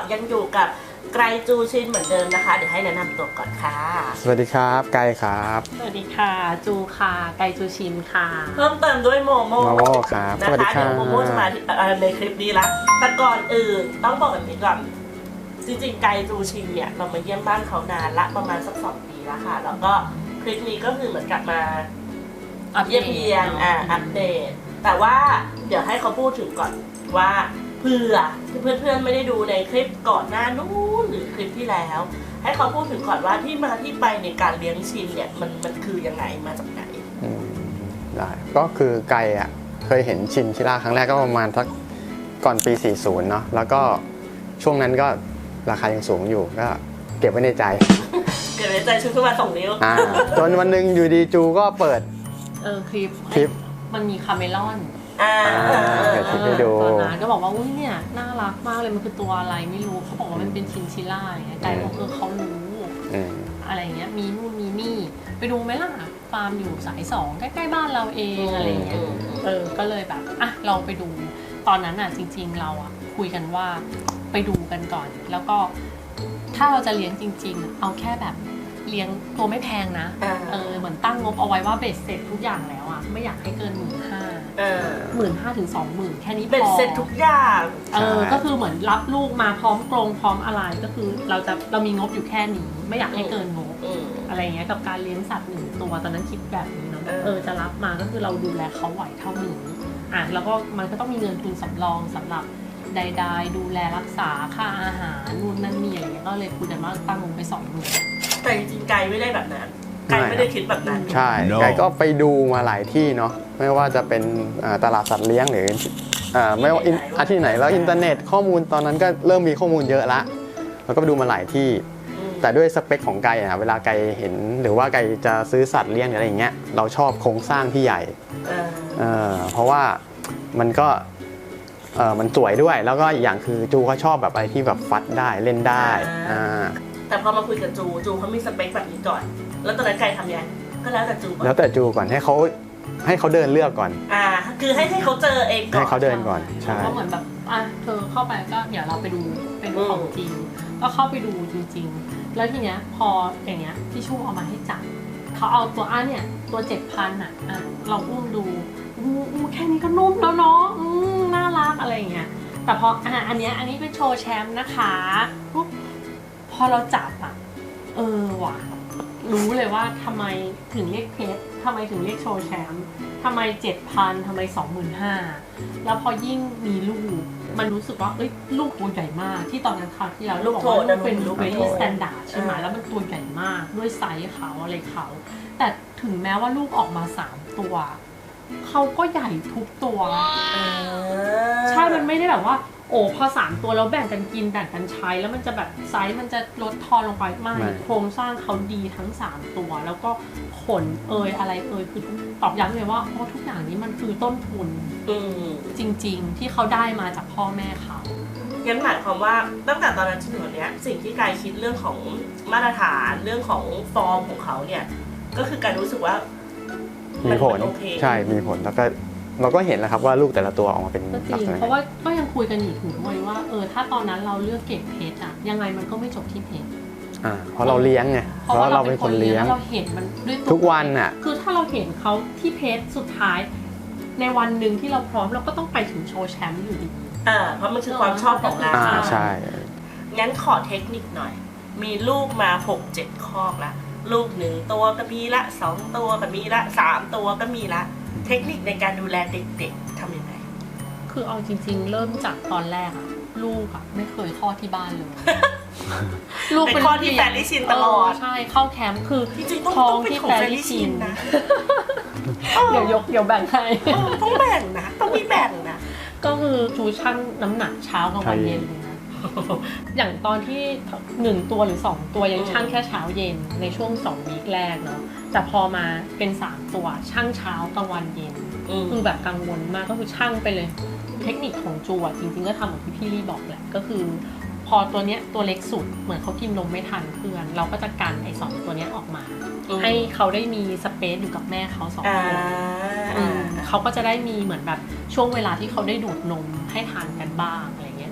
ยังอยู่กับไกรจูชินเหมือนเดิมนะคะเดี๋ยวให้แนะนำตัวก่อนค่ะสวัสดีครับไกครับสวัสดีค่ะจูค่ะไกจูชินค่ะเพิ่มเติมด้วยโมโม่ครับนะคะเดี๋ยวโมโม่จะมาในคลิปนี้ละแต่ก่อนอื่นต้องบอกแบบนี้ก่อนจริงๆไกจูชินเนี่ยเรามาเยี่ยมบ้านเขานานละประมาณสัก2 ปีแล้วค่ะแล้วก็คลิปนี้ก็คือเหมือนกับมาเยี่ยมเยียนอัปเดตแต่ว่าเดี๋ยวให้เขาพูดถึงก่อนว่าเพื่อนๆไม่ได้ดูในคลิปก่อนหน้านู้นหรือคลิปที่แล้วให้เขาพูดถึงก่อนว่าที่มาที่ไปในการเลี้ยงชินเนี่ยมันคือยังไงมาจากไหนได้ก็คือไกเคยเห็นชินชิล่าครั้งแรกก็ประมาณสักก่อนปี40เนาะแล้วก็ช่วงนั้นก็ราคายังสูงอยู่ก็เก็บไว้ในใจเก็บไว้ในใจชุดขึ้นมา2 นิ้วจนวันหนึ่งอยู่ดีจูก็เปิดคลิปมันมีคาเมลอนเปิดคลิปให้ดูตอนนั้นก็บอกว่าอุ้ยเนี่ยน่ารักมากเลยมันคือตัวอะไรไม่รู้เขาบอกว่ามันเป็นชินชิล่าอย่างเงี้ยไก่บอกเขารู้อะไรเงี้ยมีนู่นมีนี่ไปดูไหมล่ะฟาร์มอยู่สาย2ใกล้ๆบ้านเราเองอะไรเงี้ยก็เลยแบบลองไปดูตอนนั้นจริงๆเราคุยกันว่าไปดูกันก่อนแล้วก็ถ้าเราจะเลี้ยงจริงๆเอาแค่แบบเลี้ยงตัวไม่แพงนะเหมือนตั้งงบเอาไว้ว่าเบ็ดเสร็จทุกอย่างแล้วไม่อยากให้เกิน15,000ถึง 20,000แค่นี้พอเบ็ดเสร็จทุกอย่างก็คือเหมือนรับลูกมาพร้อมกรงพร้อมอะไรก็คือเรามีงบอยู่แค่นี้ไม่อยากให้เกินงบอะไรเงี้ยกับการเลี้ยงสัตว์1 ตัวตอนนั้นคิดแบบนี้เนาะจะรับมาก็คือเราดูแลเขาไหวเท่านี้แล้วก็มันก็ต้องมีเงินทุนสำรองสำหรับใดๆดูแลรักษาค่าอาหารนู่นนั่นนี่อะไรเงี้ยก็เลยคุยกันว่าตั้งงบไป20,000 แต่จริงๆไกไม่ได้แบบนั้นไกไม่ได้คิดแบบนั้นใช่ไกก็ไปดูมาหลายที่เนาะไม่ว่าจะเป็นตลาดสัตว์เลี้ยงหรือไม่ว่าที่ไหนแล้วอินเทอร์เน็ตข้อมูลตอนนั้นก็เริ่มมีข้อมูลเยอะละแล้วก็ไปดูมาหลายที่แต่ด้วยสเปคของไก่เวลาไก่เห็นหรือว่าไก่จะซื้อสัตว์เลี้ยงหรืออะไรอย่างเงี้ยเราชอบโครงสร้างที่ใหญ่เพราะว่ามันก็มันสวยด้วยแล้วก็อีกอย่างคือจูก็ชอบแบบอะไรที่แบบฟัดได้เล่นได้แต่พอมาคุยกับจูเขามีสเปคแบบนี้ก่อนแล้วตอนนั้นไก่ทำยังก็แล้วแต่จูก่อนแล้วแต่จูก่อนให้เขาเดินเลือกก่อนคือให้เขาเจอเองก่อนให้เขาเดินก่อนใช่ก็เหมือนแบบเธอเข้าไปก็เดี๋ยวเราไปดูเป็นของจริงก็เข้าไปดูจริงๆแล้วทีเนี้ยพออย่างเงี้ยที่ชูเอามาให้จับเขาเอาตัวเนี่ยตัว 7,000เราอุ้มดูแค่นี้ก็นุ่มแล้วเนาะน่ารักอะไรอย่างเงี้ยแต่พออันนี้เป็นโชว์แชมป์นะคะปุ๊บพอเราจับว่ะรู้เลยว่าทำไมถึงเรียกเพชรทำไมถึงเรียกโชว์แชมป์ทำไม 7,000 ทำไม 25,000แล้วพอยิ่งมีลูกมันรู้สึกว่าลูกตัวใหญ่มากที่ตอนนั้นคราวที่แล้วลูกบอกว่าลูกเป็นลูกvery standard ใช่ไหมแล้วมันตัวใหญ่มากด้วยไซส์เขาอะไรเขาแต่ถึงแม้ว่าลูกออกมา3 ตัวเขาก็ใหญ่ทุกตัวใช่มันไม่ได้แบบว่าพอ3 ตัวแล้วแบ่งกันกินแบ่งกันใช้แล้วมันจะแบบไซส์มันจะลดทอนลงไปไม่โครงสร้างเขาดีทั้ง3 ตัวแล้วก็ขนอะไรคือตอบย้ำเลยว่าทุกอย่างนี้มันคือต้นทุนจริงๆที่เขาได้มาจากพ่อแม่เขางั้นหมายความว่าตั้งแต่ตอนนั้นจนถึงวันนี้สิ่งที่กายคิดเรื่องของมาตรฐานเรื่องของฟอร์มของเขาเนี่ยก็คือการรู้สึกว่ามีผลใช่มีผลแล้วก็เราก็เห็นแล้วครับว่าลูกแต่ละตัวออกมาเป็นลักษณะเพราะว่าก็ยังคุยกันอยู่ถึงด้วยว่าถ้าตอนนั้นเราเลือกเก็บเพชรยังไงมันก็ไม่จบที่เพชรเพราะเราเลี้ยงไงเพราะเราเป็นคนเลี้ยงเราเห็นมันด้วยทุกวันคือถ้าเราเห็นเขาที่เพชรสุดท้ายในวันหนึ่งที่เราพร้อมเราก็ต้องไปถึงโชว์แชมป์อยู่ดีเพราะมันคือความชอบของเราใช่งั้นขอเทคนิคหน่อยมีลูกมา 6-7 คอกแล้วลูก1 ตัวก็มีละ2 ตัวก็มีละ3 ตัวก็มีละเทคนิคในการดูแลเด็กๆทำยังไงคือเอาจริงๆเริ่มจากตอนแรกลูกไม่เคยคลอดที่บ้านเลยลูกเป็นคลอดที่แฟรรี่ชินตลอดใช่เข้าแคมป์คือท้องที่แฟรรี่ชินนะเดี๋ยวแบ่งให้ต้องแบ่งนะต้องมีแบ่งนะก็คือจูชั่งน้ำหนักเช้ากับวันเย็นเลยนะอย่างตอนที่1 ตัวหรือ2 ตัวยังชั่งแค่เช้าเย็นในช่วง2 วีคแรกเนาะแต่พอมาเป็น3 ตัวชั่งเช้ากลางวันเย็นคือแบบกังวลมากก็คือชั่งไปเลยเทคนิคของจูจริงๆก็ทำเหมือนที่พี่ลี่บอกแหละก็คือพอตัวเนี้ยตัวเล็กสุดเหมือนเขากินนมไม่ทันเพื่อนเราก็จะกันไอ้2 ตัวเนี้ยออกมาให้เขาได้มีสเปซอยู่กับแม่เขา2 คนเขาก็จะได้มีเหมือนแบบช่วงเวลาที่เขาได้ดูดนมให้ทานกันบ้างอะไรเงี้ย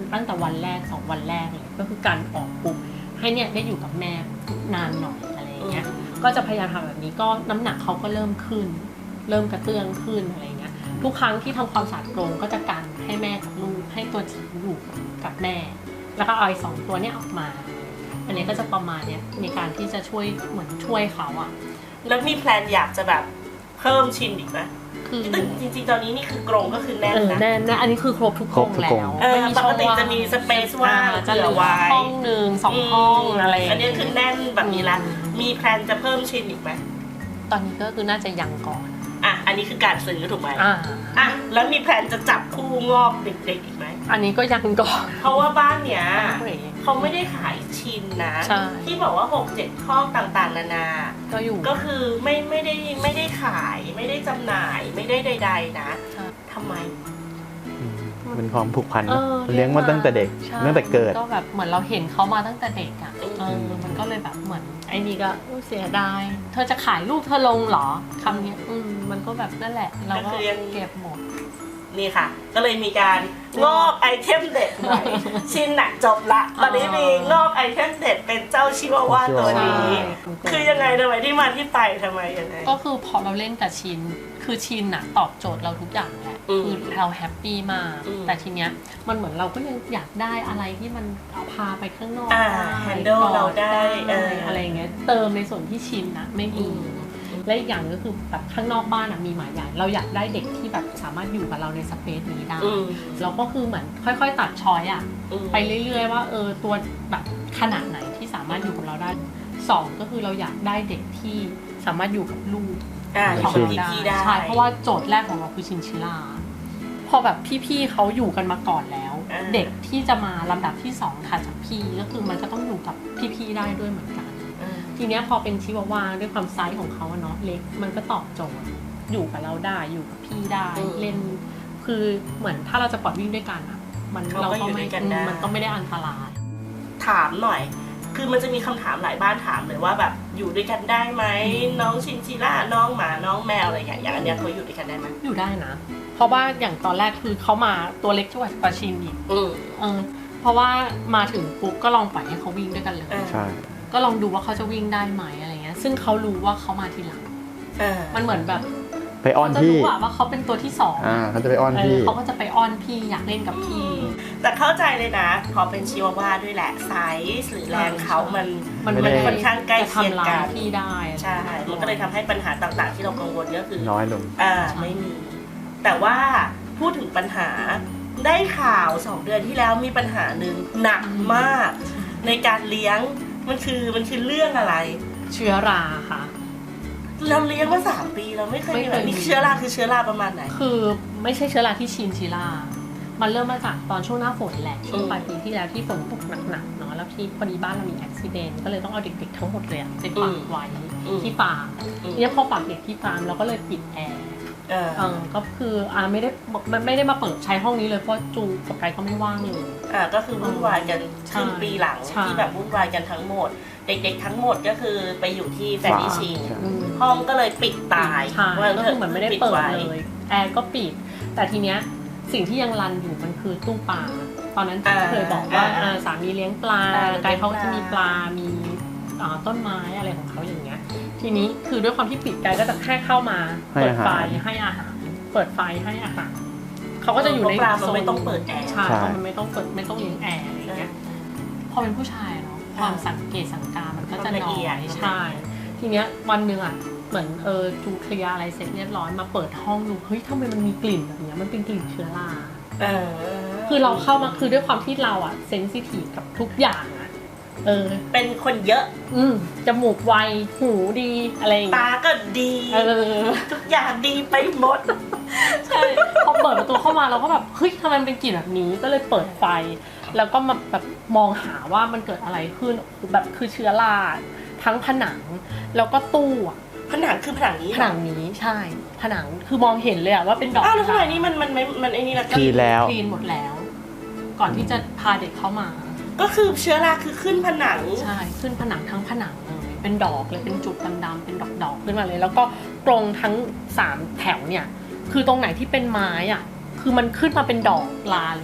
ตั้งแต่วันแรก2 วันแรกเลยก็คือการออกปุ๊บให้เนี่ยได้อยู่กับแม่นานหน่อยอะไรอย่างเงี้ยก็จะพยายามทำแบบนี้ก็น้ำหนักเขาก็เริ่มขึ้น เริ่มกระเตื้องขึ้นอะไรเงี้ยทุกครั้งที่ทำความสะอาดกรงก็จะกันให้แม่กับลูกให้ตัวจิ๋วอยู่กับแม่ แล้วก็เอาไอ้2 ตัวเนี้ยออกมา อันนี้ก็จะประมาณเนี้ยในการที่จะช่วยเหมือนช่วยเขาอะแล้วมีแพลนอยากจะแบบเพิ่มชินอีกไหมคือซึ่งจริงๆตอนนี้นี่คือกรงก็คือแน่นนะแน่นะอันนี้คือครบทุกกรงแล้วปช่กองติว่างจะมีสเปซว่างจะเหลืเผื่ออไว้ห้องหนึ่ง2 ห้องอะไรอย่างอันนี้เงี้ยคือแน่นแบบนี้ละมีแพลนจะเพิ่มชินอีกไหมตอนนี้ก็คือน่าจะยังก่อนอ่ะอันนี้คือการซื้อถูกไหมอ่าอ่ะแล้วมีแพลนจะจับคู่งอกเด็กๆอีกไหมอันนี้ก็ยังก่อนเพราะว่าบ้านเนี้ยเขาไม่ได้ขายชินนะใช่ที่บอกว่า 6-7 ข้อต่างๆนานาก็อยู่ก็คือไม่ได้ขายไม่ได้จำหน่ายไม่ได้ใดๆนะใช่ทำไมเป็นความผูกพันเอนะอเลี้ยงมาตั้งแต่เด็กใช่ตั้งแต่เกิดก็แบบเหมือนเราเห็นเขามาตั้งแต่เด็กอ่ะอืมมันก็เลยแบบเหมือนไอ้นี่ก็เสียดายเธอจะขายลูกเธอลงเหรอคำเนี้ยมันก็แบบนั่นแหละเราก็เก็บหมดนี่ค่ะ ก็เลยมีการงอกไอเทมเด็ดใหม่ชินน่ะจบละตอนนี้มีงอกไอเทมเด็ดเป็นเจ้าชิวาว่าตัวนี้ คือยังไงทำไมที่มาที่ไปทำไมยังไงก็คือพอเราเล่นกับชินคือชินน่ะตอบโจทย์เราทุกอย่างแหละอืมคือเราแฮปปี้มากอืมแต่ทีเนี้ยมันเหมือนเราก็ยังอยากได้อะไรที่มันเอาพาไปข้างนอก handle เราได้อะไรอย่างเงี้ยเติมในส่วนที่ชินนะไม่มี และอีกอย่างก็คือแบบข้างนอกบ้านมีหมาใหญ่เราอยากได้เด็กที่แบบสามารถอยู่กับเราในสเปซนี้ได้อืมเราก็คือเหมือนค่อยๆ ตัดช้อยอะอืมไปเรื่อยๆว่าตัวแบบขนาดไหนที่สามารถอยู่กับเราได้2ก็คือเราอยากได้เด็กที่สามารถอยู่กับลูกอยู่ของกับเราได้พี่ๆได้ใช่เพราะว่าโจทย์แรกของเราคือชินชิล่าพอแบบพี่ๆเขาอยู่กันมาก่อนแล้ว เด็กที่จะมาลำดับที่2ถัดจากพี่ก็คือมันก็ต้องอยู่กับพี่ๆได้ด้วยเหมือนกัน ทีเนี้ยพอเป็นชิวาว่าด้วยความไซส์ของเขาอะเนาะเล็กมันก็ตอบโจทย์อยู่กับเราได้อยู่กับพี่ได้เล่นคือเหมือนถ้าเราจะปล่อยวิ่งด้วยกันอะเราก็ไม่มันก็ไม่ได้อันตรายถามหน่อย คือมันจะมีคำถามหลายบ้านถามเลยว่าแบบอยู่ด้วยกันได้ไหมน้องชินชิล่าน้องหมาน้องแมวอะไรอย่างเงี้ยอย่างอันเนี้ยเขาอยู่ด้วยกันได้ไหมอยู่ได้นะ เพราะว่าอย่างตอนแรกคือเขามาตัวเล็กช่วยปาชินอีกเพราะว่ามาถึงปุ๊บก็ลองปล่อยให้เขาวิ่งด้วยกันเลยใช่ก็ลองดูว่าเขาจะวิ่งได้ไหมอะไรเงี้ยซึ่งเขารู้ว่าเขามาทีหลังมันเหมือนแบบไปอ้อนเขาจะพี่รู้ว่าเขาเป็นตัวที่2 เขาจะไปอ้อนพี่เขาก็จะไปอ้อนพี่อยากเล่นกับพี่แต่เข้าใจเลยนะ พอเป็นชิวาว่าด้วยแหละไซส์หรือแรงเขามันไม่ได้ค่อนข้างใกล้เคียงจะทำร้ากัยนพี่ได้ใช่ มันก็เลยทำให้ปัญหาต่างๆ ที่เรากังวลก็คือน้อยลงไม่มี แต่ว่าพูดถึงปัญหาได้ข่าว2 เดือนที่แล้วมีปัญหาหนึ่งหนักมาก ในการเลี้ยงมันคือเรื่องอะไรเชื้อราค่ะเราเลี้ยงมา3 ปีเราไม่เคยมีแบบนี้เชื้อราคือเชื้อราประมาณไหนคือไม่ใช่เชื้อราที่ชินชิล่ามันเริ่มมาจากตอนช่วงหน้าฝนแหละช่วงปลายปีที่แล้วที่ฝนตกหนักๆเนาะแล้วที่พอดีบ้านเรามีอุบิเหตุก็เลยต้องเอาเด็กๆทั้งหมดเลยไปฝากไว้ที่ฟาร์มเนี่ยพอฝากเด็กที่ฟาร์มเราก็เลยปิดแอร์ก็คือไม่ได้มาเปิดใช้ห้องนี้เลยเพราะจูกับไกก็ไม่ว่างเลยก็คือวุ่นวายกันครึ่งปีหลังที่แบบวุ่นวายกันทั้งหมดเด็กๆทั้งหมดก็คือไปอยู่ที่แฟนนิชิงห้องก็เลยปิดตายก็คือเหมือนไม่ได้เปิดเลยแอร์ก็ปิดแต่ทีเนี้ยสิ่งที่ยังรันอยู่มันคือตู้ปลาตอนนั้นที่เคยบอกว่าสามีเลี้ยงปลาไกเขาจะมีปลามีต้นไม้อะไรของเขาอย่างเงี้ยทีนี้คือด้วยความที่ปิดไกก็จะแค่เข้ามาเปิดไฟให้อาหารเปิดไฟให้อาหารเขาก็จะอยู่ในโซนไม่ต้องเปิดแอร์ใช่เพราะมันไม่ต้องเปิดไม่ต้องเลี้ยงแอร์อะไรอย่างเงี้ยพอเป็นผู้ชายเนาะความสังเกตสังการมันก็จะน้อยใช่ทีเนี้ยวันหนึ่งอ่ะเหมือนจูเคลียร์อะไรเสร็จเรียบร้อยมาเปิดห้องดูเฮ้ยทำไมมันมีกลิ่นแบบเนี้ยมันเป็นกลิ่นเชื้อราคือเราเข้ามาคือด้วยความที่เราอ่ะเซนซิทีฟกับทุกอย่างอ่ะเป็นคนเยอะจมูกไวหูดีอะไรอย่างเงี้ยตาก็ดีทุกอย่างดีไปหมดใช่พอเปิดประตูเข้ามาเราก็แบบเฮ้ยทำไมมันเป็นกลิ่นแบบนี้ก็เลยเปิดไฟแล้วก็มาแบบมองหาว่ามันเกิดอะไรขึ้นแบบคือเชื้อราทั้งผนังแล้วก็ตู้ผนังคือผนังนี้ใช่ผนังคือมองเห็นเลยอะว่าเป็นดอกแล้วทำไมนี่มันไอ้นี่ละคลีนแล้วคลีนหมดแล้ว ก่อนที่จะพาเด็กเข้ามาก็คือเชื้อราคือขึ้นผนังใช่ขึ้นผนังทั้งผนังเลยเป็นดอกเลยเป็นจุดดำๆเป็นดอกๆขึ้นมาเลยแล้วก็ตรงทั้ง3แถวเนี่ยคือตรงไหนที่เป็นไม้อะคือมันขึ้นมาเป็นดอกลาเลยนะ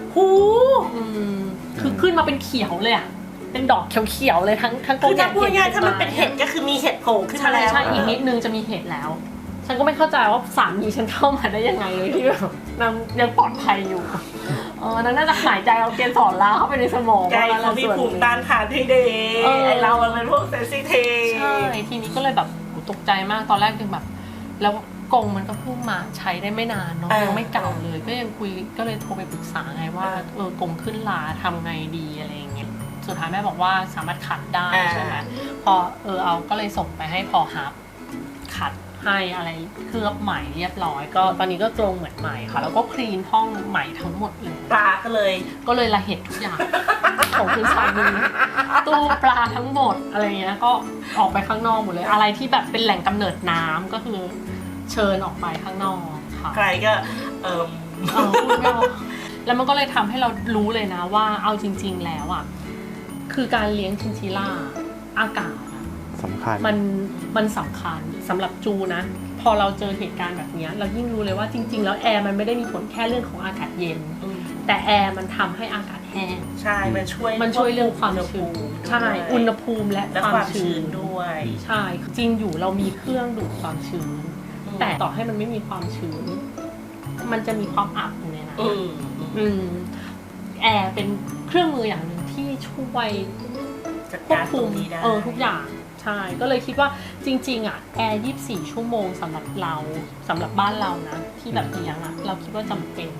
หูคือขึ้นมาเป็นเขียวเลยอ่ะเป็นดอกเขียวๆเลยทั้งกคืงอถ้าพูดง่ายๆถ้ามันเป็นเห็ดก็คือมีเห็ดโผล่ขึ้นมาแล้วใช่อีกนิดนึงจะมีเห็ดแล้ว ฉันก็ไม่เข้าใจว่าสามีฉันเข้ามาได้ยังไงเลยที่แบบนางยังปลอดภัยอยู่นั่นน่าจะหายใจเอาเกสรลาเข้าไปในสมองไก่เขามีภูมิต้านทานที่ดีไอเรามันเป็นพวกเซนซิทีฟใช่ทีนี้ก็เลยแบบตกใจมากตอนแรกยังแบบแล้วกรงมันก็เพิ่งมาใช้ได้ไม่นานเนาะยังไม่เก่าเลยก็ยังคุยก็เลยโทรไปปรึกษาไงว่ากรงขึ้นลาทำไงดีอะไรอย่างเงี้ยสุดท้ายแม่บอกว่าสามารถขัดได้ใช่ไหมพอเอาก็เลยส่งไปให้พอฮับขัดให้อะไรเคลือบใหม่เรียบร้อยก็ตอนนี้ก็กรงเหมือนใหม่ค่ะแล้วก็คลีนห้องใหม่ทั้งหมดเลยปลาก็เลยก็เลยละเหตุทุกอย่าง ของคุณสามีตู้ปลาทั้งหมดอะไรเงี้ยก็ออกไปข้างนอกหมดเลยอะไรที่แบบเป็นแหล่งกำเนิดน้ำก็คือเชิญออกไปข้างนอกค่ะใครก็พูดไม่ออกแล้วมันก็เลยทำให้เรารู้เลยนะว่าเอาจริงๆแล้วอ่ะคือการเลี้ยงชินชิล่าอากาศสำคัญมันสำคัญสำหรับจูนะพอเราเจอเหตุการณ์แบบนี้เรายิ่งรู้เลยว่าจริงๆแล้วแอร์มันไม่ได้มีผลแค่เรื่องของอากาศเย็นแต่แอร์มันทำให้อากาศแห้งใช่มันช่วยเรื่องความชื้นใช่อุณหภูมิและความชื้นด้วยใช่จริงอยู่เรามีเครื่องดูดความชื้นแต่ต่อให้มันไม่มีความชื้นมันจะมีความอับอยู่ในนั้นแอร์เป็นเครื่องมืออย่างหนึ่งที่ช่วยควบคุมทุกอย่างใช่ก็เลยคิดว่าจริงๆอ่ะแอร์24ชั่วโมงสำหรับเราสำหรับบ้านเรานะที่แบบเลี้ยงอ่ะเราคิดว่าจำเป็น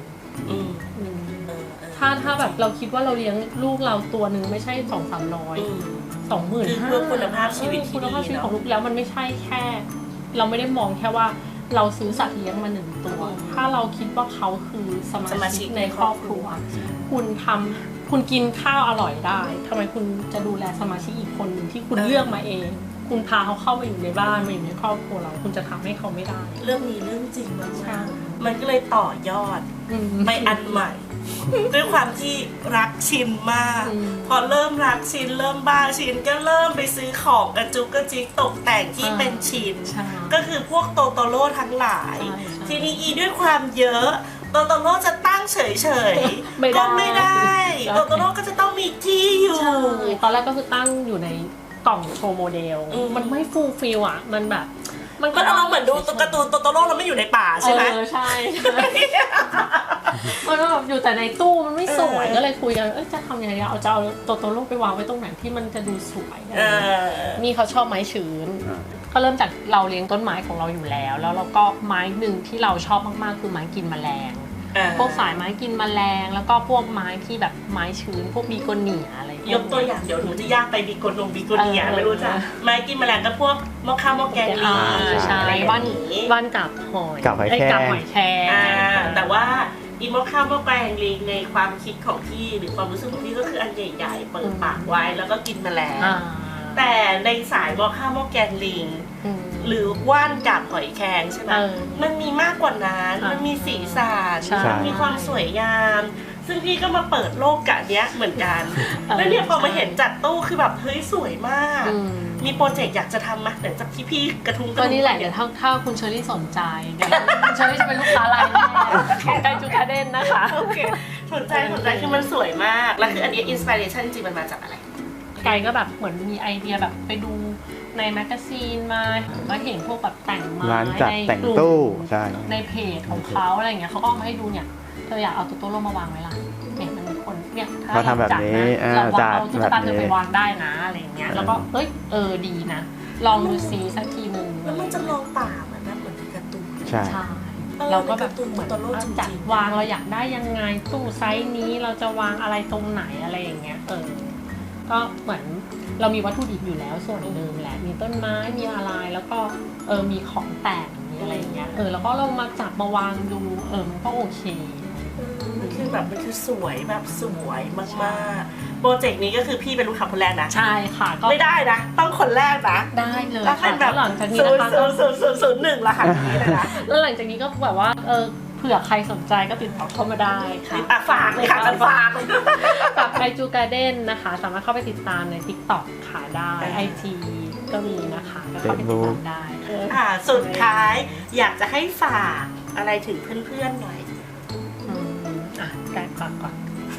ถ้าแบบเราคิดว่าเราเลี้ยงลูกเราตัวหนึ่งไม่ใช่200-300 20,000 เพื่อคุณภาพชีวิตที่ดีคุณภาพชีวิตของลูกแล้วมันไม่ใช่แค่เราไม่ได้มองแค่ว่าเราซื้อสัตว์เลี้ยงมา1ตัวถ้าเราคิดว่าเขาคือสมาชิกในครอบครัวคุณกินข้าวอร่อยได้ทำไมคุณจะดูแลสมาชิกอีกคนหนึ่งที่คุณเลือกมาเองคุณพาเขาเข้ามาอยู่ในบ้านมาอยู่ในครอบครัวเราคุณจะทำให้เขาไม่ได้เรื่องนี้เรื่องจริงมากๆมันก็เลยต่อยอดไปอันใหม่ด้วยความที่รักชินมากพอเริ่มรักชินเริ่มบ้าชินก็เริ่มไปซื้อของกระจุกกระจิกตกแต่งที่เป็นชินก็คือพวกโตโตโร่ทั้งหลายทีนี้ด้วยความเยอะโตโตโร่จะตั้งเฉยๆก็ไม่ได้โตโตโร่ก็จะต้องมีที่อยู่ตอนแรกก็คือตั้งอยู่ในกล่องโชว์โมเดลมันไม่ฟูลฟิลอ่ะมันแบบมันก็เราเหมือนดูการ์ตูนโตโตโร่เราไม่อยู่ในป่าใช่ไหมใช่มันก็แบบอยู่แต่ในตู้มันไม่สวยก็เลยคุยกันจะทำยังไงเอาจะเอาโตโตโร่ไปวางไว้ตรงไหนที่มันจะดูสวยนี่เขาชอบไม้ชื้นก็เริ่มจากเราเลี้ยงต้นไม้ของเราอยู่แล้วเราก็ไม้หนึ่งที่เราชอบมากๆคือไม้กินแมลงพวกสายไม้กินแมลงแล้วก็พวกไม้ที่แบบไม้ชื้นพวกบีโกเนียอะไรยกตัวอย่างเดี๋ยวหนูจะยากไปบีโกเนียไม่รู้จ้ะไม้กินแมลงก็พวกมะขามมะแกงลีใช่บ้านกับหอยกับหอยแครงแต่ว่าอีมะขามมะแกงลีในความคิดของพี่หรือความรู้สึกของพี่ก็คืออันใหญ่ๆเปิดปากไว้แล้วก็กินแมลงแต่ในสายมะขามมะแกงลิงหรือว่านกับหอยแครงใช่ไหมมันมีมากกว่านั้นมันมีสีสันมันมีความสวยงามซึ่งพี่ก็มาเปิดโลกกะเนี้ยเหมือนกันแล้วเนี่ยพอมาเห็นจัดตู้คือแบบเฮ้ยสวยมากมีโปรเจกต์อยากจะทำไหมหลังจากที่พี่กระทุ้งก็นี่แหละเดี๋ยวถ้าคุณเชอรี่สนใจเดี๋ยวคุณเชอรี่จะเป็นลูกค้ารายแรกของไกจูการ์เด้นนะคะโอเคสนใจคือมันสวยมากแล้วคืออันนี้อินสปิเรชันจริงๆมันมาจากอะไรไกก็แบบเหมือนมีไอเดียแบบไปดูในแมกกาซีนมาเห็นพวกแบบแต่งไม้ในกลุ่มในเพจของเขาอะไรอย่างเงี้ยเขาก็เอามาให้ดูเนี่ยเธออยากเอาตัวโตโร่มาวางไว้ล่ะเนี่ยมันมีคนเนี่ยถ้าเราทำแบบนี้เราเอาตุ๊กตาเธอไปวางได้นะอะไรอย่างเงี้ยแล้วก็ดีนะลองดูซีสักทีนึงแล้วมันจะลองป่าเหมือนในการ์ตูนใช่เราก็แบบเหมือนจัดวางเราอยากได้ยังไงตู้ไซส์นี้เราจะวางอะไรตรงไหนอะไรอย่างเงี้ยก็เหมือนเรามีวัตถุดิบอยู่แล้วส่วนหนึ่งแหละมีต้นไม้มีอะไรแล้วก็มีของแต่งมีอะไรอย่างเงี้ยแล้วก็เรามาจับมาวางดูมันก็โอเคมันคือสวยแบบสวยมากๆโปรเจกต์นี้ก็คือพี่เป็นลูกค้าคนแรกนะใช่ค่ะก็ไม่ได้นะต้องคนแรกนะได้เลยแล้วเป็นแบบหลังจากนี้นะคะ 001ละค่ะนี้เลยนะแล้วหลังจากนี้ก็แบบว่าเผื่อใครสนใจก็ติดต่อเข้ามาได้ค่ะฝากเลยค่ะฝากไกจูการ์เด้นนะคะสามารถเข้าไปติดตามใน TikTok ค่ะได้ IG ก็มีนะคะก็เข้าไปติดตามได้สุดท้ายอยากจะให้ฝากอะไรถึงเพื่อนๆหน่อยไกฝากก่อน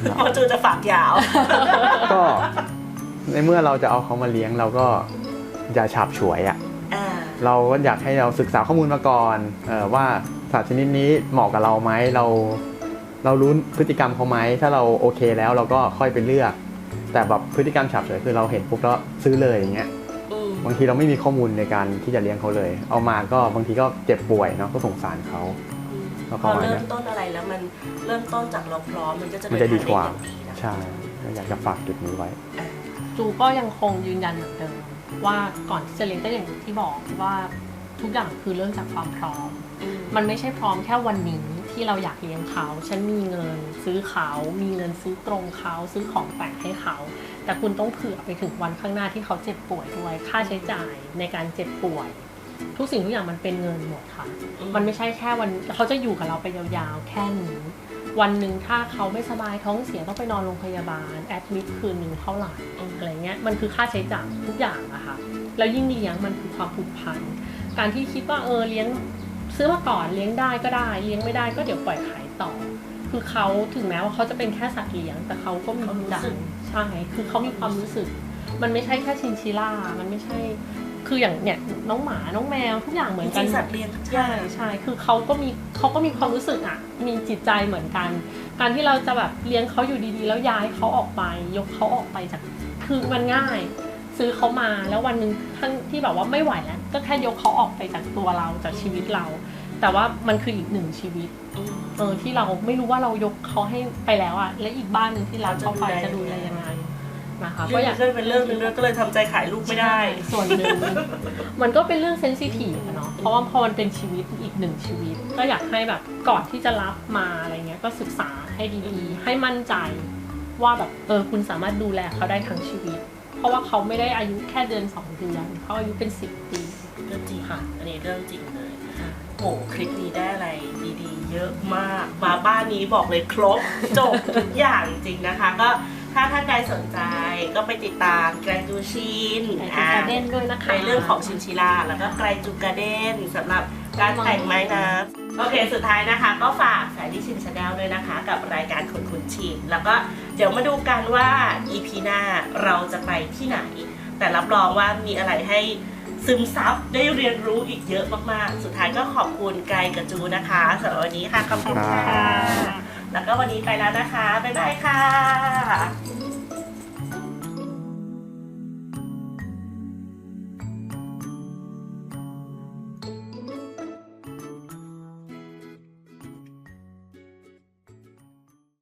เพราะจูจะฝากยาวก็ในเมื่อเราจะเอาเขามาเลี้ยงเราก็อย่าฉาบฉวยอ่ะอ่าเราก็อยากให้เราศึกษาข้อมูลมาก่อนว่าสัตว์ชนิดนี้เหมาะกับเราไหมเรารู้พฤติกรรมเขาไหมถ้าเราโอเคแล้วเราก็ค่อยไปเลือก แต่แบบพฤติกรรมฉาบฉวยคือเราเห็นปุ๊บแล้วซื้อเลยอย่างเงี้ยอืมบางทีเราไม่มีข้อมูลในการที่จะเลี้ยงเขาเลย เอามาก็บางทีก็เจ็บป่วยเนาะก็สงสารเขา แล้วพประอมาณเริ่เนี้มยต้นอะไรแล้วมันเริ่มต้นจากเราพร้อมมันก็จะมันจะดีกว่าเนทงได้อย่งดีนะใช่ก็อยากจะฝากจุดนี้ไว้จูก็ยังคงยืนยันเหมือนเดิมว่าก่อนที่จะเลี้ยงก็อย่างที่บอกว่าทุกอย่างคือเริ่มจากความพร้อมอืมมันไม่ใช่พร้อมแค่วันนี้ที่เราอยากเลี้ยงเขา ฉันมีเงินซื้อเขามีเงินซื้อกรงเขาซื้อของแต่งให้เขา แต่คุณต้องเผื่อไปถึงวันข้างหน้าที่เขาเจ็บป่วยด้วย ค่าใช้จ่ายในการเจ็บป่วย ทุกสิ่งทุกอย่างมันเป็นเงินหมดค่ะ มันไม่ใช่แค่วันเขาจะอยู่กับเราไปยาวๆแค่นี้ วันหนึ่งถ้าเขาไม่สบายท้องเสียต้องไปนอนโรงพยาบาลแอดมิดคืนหนึ่งเท่าไหร่อะไรเงี้ยมันคือค่าใช้จ่ายทุกอย่างอะค่ะแล้วยิ่งเลี้ยงมันคือความผูกพันการที่คิดว่าเลี้ยงซื้อมาก่อนเลี้ยงได้ก็ได้เลี้ยงไม่ได้ก็เดี๋ยวปล่อยขายต่อ คือเขาถึงแม้ว่าเขาจะเป็นแค่สัตว์เลี้ยงแต่เขาก็มีความรู้สึกใช่คือเขามีความรู้สึก มันไม่ใช่แค่ชินชิล่ามันไม่ใช่คืออย่างเนี่ยน้องหมาน้องแมวทุกอย่างเหมือนจกัรินงๆสัตว์เลี้ยงทุกอใช่ย่างใช่คือเขาก็มีความรู้สึกอ่ะมีจิตใจเหมือนกัน การที่เราจะแบบเลี้ยงเขาอยู่ดีๆแล้วย้ายเขาออกไปยกเขาออกไปจากคือมันง่าย ซื้อเขามาแล้ววันหนึ่งทั้งที่แบบว่าไม่ไหวแล้วก็แค่ยกเขาออกไปจากตัวเราจากชีวิตเรา แต่ว่ามันคืออีกหนึ่งชีวิตที่เราไม่รู้ว่าเรายกเขาให้ไปแล้วอ่ะและอีกบ้านหนึ่งที่เราเข้าไปจะดูแลยังไงนะคะก็อยากเรื่องเป็นเรื่องนึงด้วยก็เลยทำใจขายลูกไม่ได้ส่วนหนึ่ง มันก็เป็นเรื่องเซนซิทีฟอะเนาะเพราะว่าพอมันเป็นชีวิตอีกหนึ่งชีวิต ก็อยากให้แบบก่อนที่จะรับมาอะไรเงี้ยก็ศึกษาให้ดีๆให้มั่นใจว่าแบบคุณสามารถดูแลเขาได้ทั้งชีวิต เพราะว่าเขาไม่ได้อายุแค่เดือน2 เดือนเขาอายุเป็น10 ปีเรื่องจริงค่ะ อันนี้เรื่องจริงเลยโหคลิปนี้ได้อะไรดีๆ เยอะมาก มาบ้านนี้บอกเลยครบ จบทุกอย่างจริงนะคะ ก็ถ้าท่านใดสนใจก็ไปติดตามแกรนจูชินไกรจูการ์เด้นด้วยนะคะในเรื่องของชินชิล่าแล้วก็ไกรจูการ์เด้นสำหรับการแต่งไม้น้ำโอเคสุดท้ายนะคะ ก็ฝากแฟรี่ชินชาแนลด้วยนะคะ กับรายการคนคุ้นชินแล้วก็เดี๋ยวมาดูกันว่า EP หน้าเราจะไปที่ไหน แต่รับรองว่ามีอะไรให้ซึมซับได้เรียนรู้อีกเยอะมากๆ สุดท้ายก็ขอบคุณไกรกับจูนะคะสำหรับวันนี้ค่ะขอบคุณค่ะ แล้วก็วันนี้ไปแล้วนะคะ บ๊ายบายค่ะ